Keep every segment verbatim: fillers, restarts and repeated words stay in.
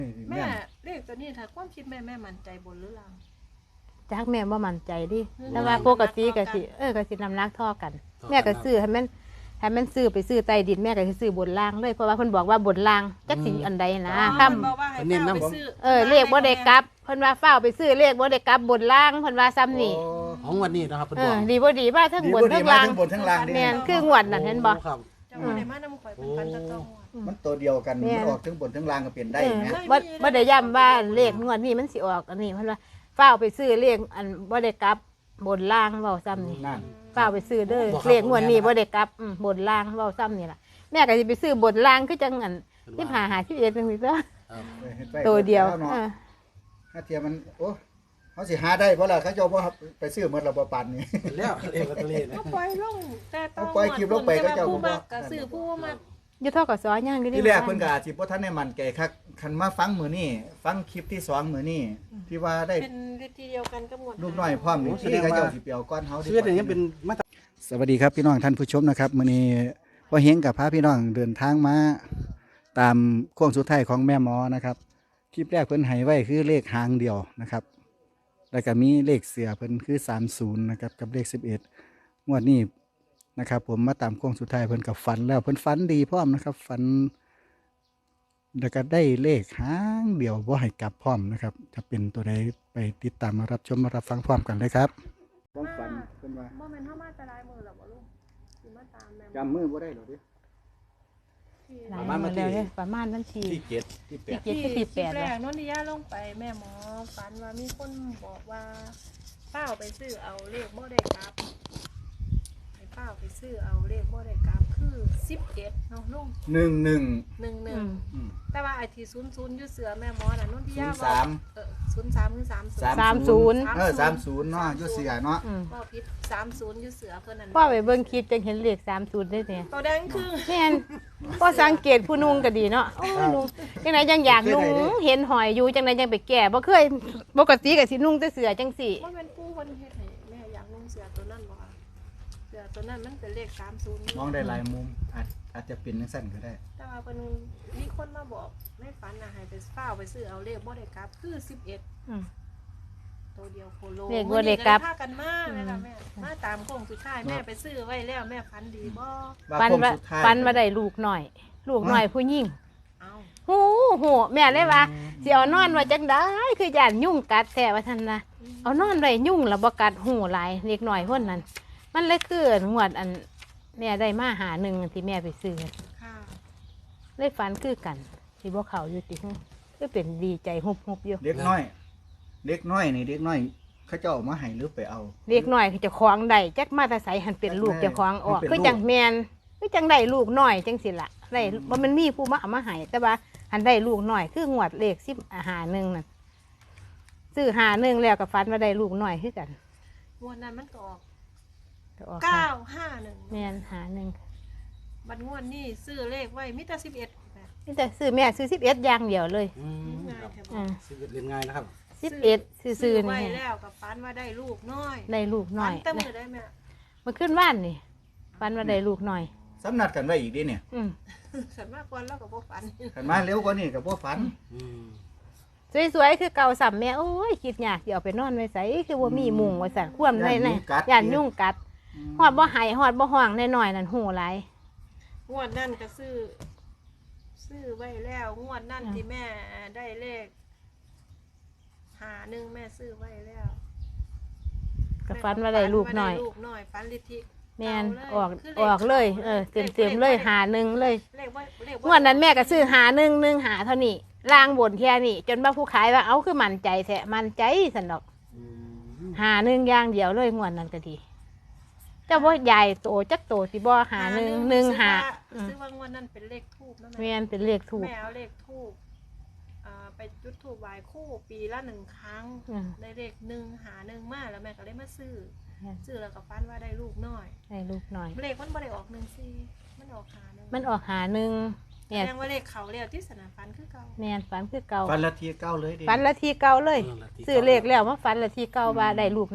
แม่เลขตัวนี้ถ้าความคิดแม่แม่มั่นใจบนหรือล่างจักแม่บ่มั่นใจดิแต่ว่าปกติก็สิเออก็สินำนักท่อกันแม่ก็ซื้อให้มันให้มันซื้อไปซื้อใต้ดินแม่ก็สิซื้อบนล่างเลยเพราะว่าเพิ่นบอกว่าบนล่างจักสิอันใดนะค่ำเน้นนำเออเลขบ่ได้กลับเพิ่นว่าเฝ้าไปซื้อเลขบ่ได้กลับบนล่างเพิ่นว่าซ้ำนี่ของวันนี้นะครับเพิ่นเอบอกอดีบ่ดีว่าทั้งบนทั้งล่างทั้งบนทั้งล่างแม่นคืองวดนั่นเห็นบ่ครับจังบ่ได้มานำข่อยเป็นพันตะตองมันตัวเดียวกันมันออกทั้งบนทั้งล่างก็เปลี่ยนได้แม่บ่บ่ได้ย้ำว่าเลขงวดนี้มันสิออกอันนี้เพิ่นว่าเฝ้าไปซื้อเลขอันบ่ได้กลับบนล่างเว้าซ้ำนี่นั่นเฝ้าไปซื้อเด้อเลขงวดนี้บ่ได้กลับบนล่างเว้าซ้ำนี่ล่ะแม่ก็สิไปซื้อบนล่างคือจังอันสิบห้า ห้าสิบเอ็ดจังซี่เด้อตัวเดียวเออถ้าเทียมันโอ้เขาสิหาได้เพราะล่ะเขาเจ้าบ่ไปซื้อหมดระบบปันนี่แล้วเลขลอตเตอรี่นะก็ปล่อยลงแต่ต้องปล่อยคลิปลงไปก็เจ้าผู้มักก็ซื้อผู้มักอยู่เท่ากับซอยย่างอยู่ที่แรกเพิ่นก็อาจสิบ่ทันได้มั่นใจคักคันมาฟังมื้อนี้ฟังคลิปที่สองมื้อนี้ที่ว่าได้เป็นวิธีเดียวกันกับหมดลูกน้อยพร้อมนี่ที่เขาเจ้าสิเปียวก้อนเฮาดีชีวิตอย่างนี้เป็นมาตรสวัสดีครับพี่น้องท่านผู้ชมนะครับมื้อนี้พ่อเฮงกับพาพี่น้องเดินทางมาตามโค้งสุดท้ายของแม่หมอนะครับคลิปแรกเพิ่นให้ไว้คือเลขหางเดียวนะครับแล้วก็มีเลขเสือเพิ่นคือสามสิบนะครับกับเลขสิบเอ็ดงวดนี้นะครับผมมาตามโค้งสุดท้ายเพิ่นกับฝันแล้วเพิ่นฝันดีพร้อมนะครับฝันแล้วก็ได้เลขหางเดียวบ่ให้กลับพร้อมนะครับจะเป็นตัวใดไปติดตามมารับชมมารับฟังพร้อมกันเลยครับความฝันเพิ่นว่าบ่แม่นเฮามาแต่ลายมือหรอกบ่ลูกสิมาตามแม่จำมือบ่ได้หรอดิประมาณวันที่ประมาณวันที่ที่เจ็ดที่แปดที่เจ็ดที่แปดแรกนนทิยาลงไปแม่หมอฝันว่ามีคนบอกว่าเป้าไปซื้อเอาเลขบ่ได้กลับให้เป้าไปซื้อเอาเลขบ่ได้กลับคือสิบเอ็ดเนาะลุงหนึ่งหนึ่งหนึ่งหนึ่งแต่ว่าไอ้ที่ศูนย์ศูนย์อยู่เสือแม่หมอน่ะนนทิยาสามเออศูนย์สามคือสามศูนย์สามศูนย์เออสามศูนย์เนาะอยู่เสือเนาะว่าผิดสามศูนย์อยู่เสือเพิ่นนั่นพ่อไปเบิ่งคลิปจังเห็นเลขสามศูนย์ได้เนี่ยตัวแดงคือแม่นพ่อสังเกตผู้นุ่งก็ดีเนาะโอ้นุ่งจังไดจังอยากนุ่งเห็นหอยอยู่จังไดจังไปแก่บ่เคยปกติก็สินุ่งแต่เสื้อจังซี่มันเป็นผู้เพิ่นเฮ็ดให้แม่อยากนุ่งเสื้อตัวนั้นบ่ค่ะเสื้อตัวนั้นมันเป็นเลขสามศูนย์มองได้หลายมุมอาจอาจจะเป็นจังซั่นก็ได้แต่ว่าเพิ่นมีคนมาบอกในฝันน่ะให้ไปเฝ้าไปซื้อเอาเลขบ่ได้กลับคือสิบเอ็ดอือตัวเดียวโคโลเลขบ่ได้กลับพากันมาแม่ล่ะแม่มาตามโค้งสุดท้ายแม่ไปซื้อไว้แล้วแม่ฝันดีบ่ฝันว่าฝันว่าได้ลูกน้อยลูกน้อยผู้หญิงเอ้าฮู้ฮู้แม่เลยว่าสิเอานอนไว้จังได๋คือย่านยุ่งกัดแท้ว่าซั่นน่ะเอานอนไว้ยุ่งแล้วบ่กัดหูหลายเล็กน้อยคนนั้นมันเลยคืองวดอันแม่ได้มาหาหนึ่งที่แม่ไปซื้อค่ะเลยฝันคือกันที่บ่เข้าอยู่ติคือเป็นดีใจฮุบๆอยู่เด็กน้อยเด็กน้อยนี่เด็กน้อยเขาเจ้าเอามาให้หรือไปเอาเด็กน้อยเจ้าของได้จักมาแต่ไสหันเป็นลูกเจ้าของออกคือจังแม่นคือจังได้ลูกน้อยจังซี่ล่ะได้บ่มันมีผู้มาเอามาให้แต่ว่าหันได้ลูกน้อยคืองวดเลขสิบหาหนึ่งนั่นซื้อหาหนึ่งแล้วก็ฝันว่าได้ลูกน้อยคือกันงวดนั้นมันก็ออกออกเก้าห้าหนึ่งแม่นหาหนึ่งบัดงวดนี้ซื้อเลขไว้มีแต่สิบเอ็ดนี่แต่ซื้อแม่ซื้อสิบเอ็ดอย่างเดียวเลยอืมสิบเอ็ดเรียนง่ายนะครับสิบเอ็ดซื้อไว้แล้วกับฝันว่าได้ลูกน้อยได้ลูกน้อยแต่มือได้แม่มันขึ้นบ้านนี่ฝันว่าได้ลูกน้อยสำนัดกันไว้อีกดิเนี่ยอืมขันมากกว่าแล้วก็บ่ฝันขันมาเร็วกว่านี้ก็บ่ฝันสวยๆคือเก่าสัมแม่โอ้ยคิดยากสิเอาไปนอนไว้ไสคือบ่มีมุงไว้สั่นควมได้แน่ย่านยุ่งกัดฮอดบ่ให้ฮอดบ่ห้องน้อยๆนั่นหูหลายงวดนั่นก็ซื้อซื้อไว้แล้วงวดนั่นที่แม่ได้เลขหาหนึ่งแม่ซื้อไว้แล้วก็ฝันว่าได้ลูกน้อยลูกน้อยฝันลิธิแม่นออกออกเลยเออเต็มๆเลยหาหนึ่งเลยงวดนั้นแม่ก็ซื้อหาหนึ่งหนึ่งหาเท่านี้ล่างบนแค่นี้จนว่าผู้ขายว่าเอาคือมั่นใจแท้มั่นใจสันดอกหาหนึ่งอย่างเดียวเลยงวดนั้นก็ดีเจ้าบ่ใหญ่โตจักโตสิบ่หาหนึ่งหนึ่งหาซื้อว่างวดนั้นเป็นเลขทูบนะแม่นเป็นเลขทูบแม่เอาเลขทูบไปจุดทูบไหว้คู่ปีละหนึ่งครั้งได้เลขหนึ่งหาหนึ่งมาแล้วแม่ก็เลยมาซื้อซื้อแล้วก็ฝันว่าได้ลูกน้อยได้ลูกน้อยเลขมันบ่ได้ออกหนึ่งสี่มันออกหาหนึ่งมันออกหาหนึ่งแสดงว่าเลขเขาแล้วที่สนามฝันคือเก่าแม่นฝันคือเก่าฝันละทีเก่าเลยดิฝันละทีเก่าเลยซื้อเลขแล้วมาฝันละทีเก่าว่าได้ลูกน้อย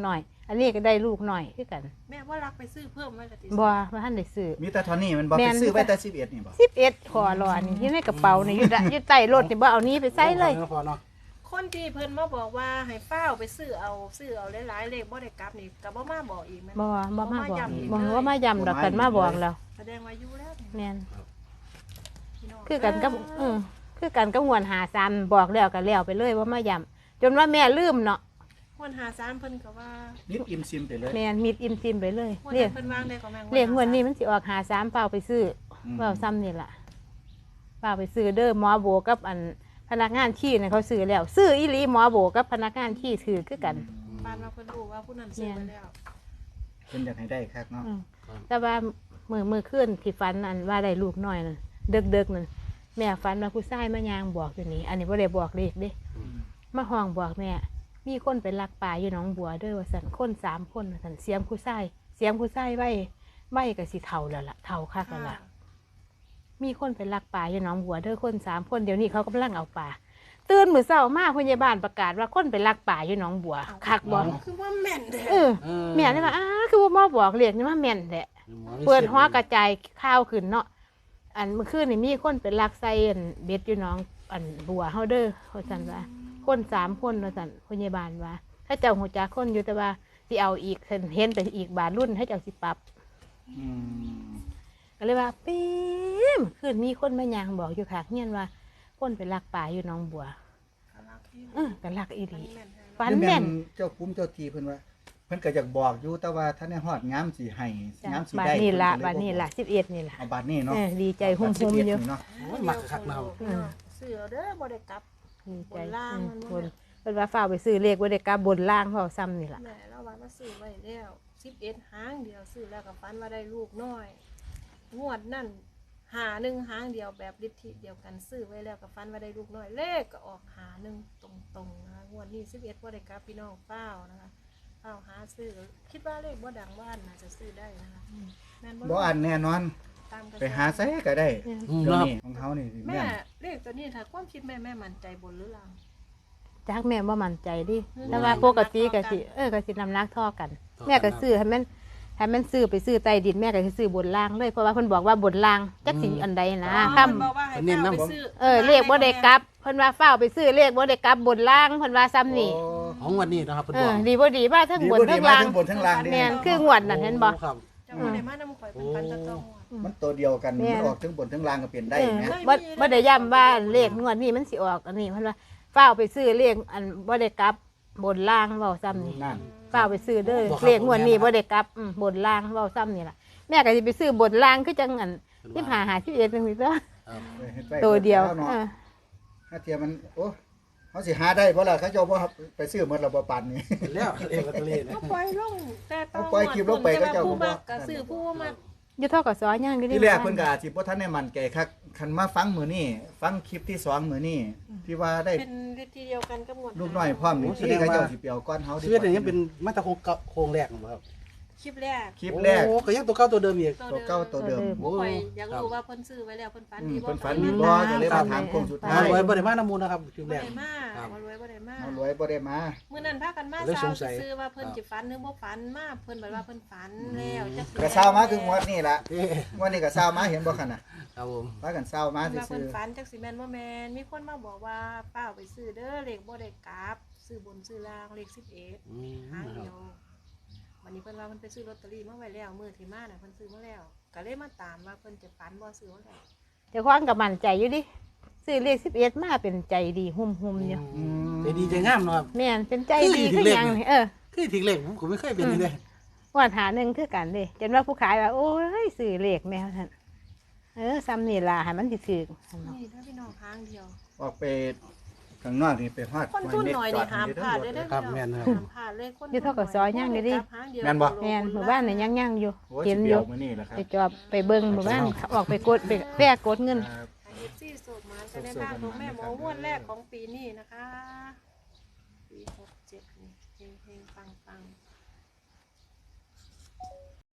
อันนี้ก็ได้ลูกหน่อยคือกันแม่ว่ารักไปซื้อเพิ่มไว้ละติบ่ว่าท่านได้ซื้อมีแต่เท่านี้มันบ่แม่ไปนซื้อไว้แต่สิบเอ็ดนี่บ่สิบเอ็ดขอรอนี่อยู่ในกระเป๋านี่อยู่ดะอยู่ใต้รถนี่บ่เอานี้ไปใส่เลยพอเนาะคนที่เพิ่นมาบอกว่าให้เฝ้าไปซื้อเอาซื้อเอาหลายๆเลขบ่ได้กลับนี่ก็บ่มาบอกอีกแม่นบ่บ่มาบอกย้ำอีกบ่เลยว่ามาย้ำดอกกันมาบอกแล้วแสดงว่าอยู่แล้วนี่แม่นพี่น้งคือกันกับเออคือกันกับงวนหาซ้ำบอกแล้วก็แล้วไปเลยว่ามาย้ำจนว่าแม่ลืมเนาะคนหาสามเพิ่นก็ว่านิดอิ่มซิมไปเลยแม่นมิดอิ่มซิมไปเลยคนเรียกนั้นเพิ่นวางได้ก็แม่งเรียกงวดนี้มันสิออกหาซ้ำเปล่าไปซื้ออมเปล่าซ้ำนี่ล่ะเปล่าไปซื้อเด้อหมอโบกับอันพนักงานขี้เนี่ยเขาซื้อแล้ว ซื้ออีหลีหมอโบกับพนักงานขี้ถือคือกันปานว่าเพิ่นรู้ว่าผู้นั้นซื้อไปแล้วเพิ่นอยากให้ได้คักเนาะอืมแต่ว่ามือมือขึ้นที่ฟันอันว่าได้ลูกน้อยนั่นเด็กเด็กๆนั่นแม่ฟันมาผู้ชายมายางบอกอยู่นี่อันนี้ว่าได้บอกเลขเด้มาห้องบอกแม่มีคนไปลักป่าอยู่หนองบัวเด้วยว่าสันคนสามคนว่าสันเสียงผู้ชายเสียงผู้ชายไว้ไว้กับสีเทาแล้วล่ะเทาคักแล้วล่ะมีคนไปลักป่าอยู่หนองบัวเด้อคนสามคนเดี๋ยวนี้เขากำลังเอาป่าตื่นมือเช้ามาพยาบาลประกาศว่าคนไปลักป่าอยู่หนองบัวคักบอกคือว่าแม่นเด้เออแม่เลยว่าอ้าคือว่าหมอบอกเรียกนี่ว่าแม่นแหละเปิดหัวกระจายข้าวขึ้นเนาะอันเมื่อคืนนี่มีคนเป็นลักไส้อันเบ็ดอยู่หน้องอันบัวเฮาเด้อเขาสั่นว่าคนสามคนเราสั่นพยาบาลว่า ถ้าเจ้าหัวจักคนอยู่แต่ว่าสิเอาอีกเห็นไปอีกบาทรุ่นให้เจ้าสิปรับอืมก็เลยว่าปีมคืนมีคนมายางบอกอยู่ค่ะเงียนว่าคนไปลักป่าอยู่หน้องบัวเออกันลักอีดีฟันแม่นเจ้าคุ้มเจ้าทีเพิ่นว่า เพิ่นก็อยากบอกอยู่แต่ว่าท่านได้ฮอดงามสิให้งามสิบาทได้นี่ละเพิ่บาทก็เยนี่บ่ละสิบเอ็ดนี่ละเอาบาทนี้เนาะเออดีใจหุ่มสิบหุ่มเอ็ดอยู่นี่เนาะโอ้ยมักคักเราซื้อเอาเด้อบ่ได้กลับดีใจบนล่างมันบบ่นแม่นเป็นว่าฝ้ากไปซื้อเลขไว้ได้กาบนล่างเพราะซ้ำนี่แหละแม่เราว่ามาซื้อไว้แล้วสิบเอ็ดหางเดียวซื้อแล้วก็ฝันว่าได้ลูกน้อย งวดนั่นหาหนึ่งหางเดียวแบบลิทธิเดียวกันซื้อไว้แล้วก็ฝันว่าได้ลูกน้อย เลขก็ออกหาหนึ่งตรงๆนะคะงวดนี้สิบเอ็ดบ่ได้กลับพี่น้องเป้านะคะเป้าหาซื้อคิดว่าเลขบ่ดังว่านน่าจะซื้อได้นะคะแม่นบ่อันแน่นอนตามกระแสไปหาไสก็ได้อืมเดี๋ยวเนาะนี้ของเขานี่สิแม่แม่นเลขตัวนี้ถ้าความคิดแม่แม่มั่นใจบนหรือล่างจักแม่ว่ามั่นใจดิอืมแต่ว่าปกติก็สิเออก็สินำนักท่อกัน แม่ก็ซื้อให้มันให้มันซื้อไปซื้อใต้ดินแม่ก็สิซื้อบนล่างเลยเพราะว่าเพิ่นบอกว่าบนล่างจักสิอันใดนะอ๋อค่ำเพิ่นบอกว่าให้เป้าไปซื้อเออเลขบ่ได้กลับเพิ่นว่าฝ้ากไปซื้อเลขบ่ได้กลับบนล่างเพิ่นว่าซ้ำนี่โอ้ของวันนี้นะครับเพิ่นเอบอกอดีบ่ดีว่าทั้งดีบนบ่ดีทั้งมาล่างทั้งบนทั้งล่างนี่แม่นคืองวดน่ะเห็นบ่ครับเจ้าบ่ได้มานำข่อยเป็นปันตะตองวดมันตัวเดียวกันแม่นมันออกทั้งบนทั้งล่างก็เปลี่ยนได้เออแหมบ่บ่ได้ย้ำว่าเลขงวดนี้มันสิออกอันนี้เพิ่นว่าฝ้ากไปซื้อเลขอันบ่ได้กลับบนล่างเว้าซ้ำนี่นั่นฝ้ากไปซื้อเด้อบ่ครับเลขงวดนี้บ่ได้กลับอืมบนล่างเว้าซ้ำนี่ล่ะแม่ก็สิไปซื้อบนล่างคือจังอันสิบห้า ห้าสิบเอ็ดจังซี่เด้อครับเออเฮ็ไปตัวเดียวแล้นาะเออถ้าเทียมมันโอ้เขาสิหาได้บ่ล่ะเขาเจ้าบ่ไปซื้อหมดแล้วบ่ปานนี้แล้วเลขลอตเตอรี่นะก็ปล่อยลงแต่ต้องเอาปล่อยคลิปลงไปก็เจ้าผู้บ่มักก็ซื้อผู้มักอยู่ทกสย่างอยู่ที่แรกเพิ่นก็อาจสิบ่ทันได้มั่นใจคักคันมาฟังมื้อนี้ฟังคลิปที่สองมื้อนี้ที่ว่าได้เป็นเลขที่เดียวกันกับหมวดลูกน้อยพร้อมนี่ที่เขาเจ้าสิเปียวก้อนเฮาดีชีวิตนี้ยังเป็นมาตรโครงเก่าโครงแรกนะครับคลิปแรกคลิปแรกโอ้ก็ยังตัวเก่าตัวเดิมอีกตัวเก่าตัวเดิมโอ้ข่อยอยากรู้ว่าเพิ่นซื้อไว้แล้วเพิ่นฝันอืดีมบ่เพิ่นฝันฝัดีบ่ก็เลยมาถามโค้งสุดท้ามาย รวยบ่ได้มาน้ำมูลนะครับคลิปบ่แรกได้มาครับบ่รวยบ่ได้มาเอารวยบ่ได้มามื้อนั้นพากันมาเลยสาสวงสัยซื้อว่าเพิ่นสิฝันหรือบ่ฝันมาเพิ่นบอกว่าเพิ่นฝันแล้วจักสิก็เช้ามาคืองวดนี้ล่ะเอ๊ะงวดนี้ก็เช้ามาเห็นบ่คั่นน่ะครับผมพากันเช้ามาเพิ่นว่าซื่เพิ่นอฝันจักสิแม่นบ่แม่นมีคนมาบอกว่าป้าเอาไปซื้อเด้อเลขบ่ได้กลับซื้อบนซื้อล่างเลขสิบเอ็ดอืมหางครัเดีบยววันนี้เพิ่นว่าเพิ่นไปซื้อลอตเตอรี่มาไว้แล้วมื้อที่มาน่ะเพิ่นซื้อมาแล้วก็เลยมาตามว่าเพิ่นจะฝันบ่ซื้อมาแล้วเจ้าของก็มั่นใจอยู่ดิซื้อเลขสิบเอ็ดมาเป็นใจดีหุ่มๆอยู่อืมใจดีใจงามเนาะครับแม่นเป็นใจดีคือคือเลขหยังนี่นี่เออคือถึงเลขผมก็ไม่เคยเป็นนี่เลยว่าหาหนึ่งคือกันเด้จนว่าผู้ขายว่าโอ้ยซื้อเลขแมวท่านเออซ้ำนี่ล่ะให้มันสิถูกหั่นเนาะนี่ถ้าพี่น้องหางเดียวออกไปข้างนอกนี่ไปฮอดคนทุนหน่อยนี่ห้ามพลาดเลยเด้อครับพี่น้องแม่นครับห้ามพลาดเลยคนอยู่เท่ากับซอยย่างอยู่ดิแม่นบ่แม่นหมู่บ้านนี่ยังยังอยู่โอ้ยเห็นสิอเปียยู่วมื้อนี้แหละครับไปจอบไปเบิ่งหมู่บ้านเขาออกไปกดไปแปะกดเงินครับเอฟซีสูบมาจะได้บ้างของแม่หมอม้วนแรกของปีนี้นะคะ ปีหกเจ็ดนี่เฮงๆปังๆ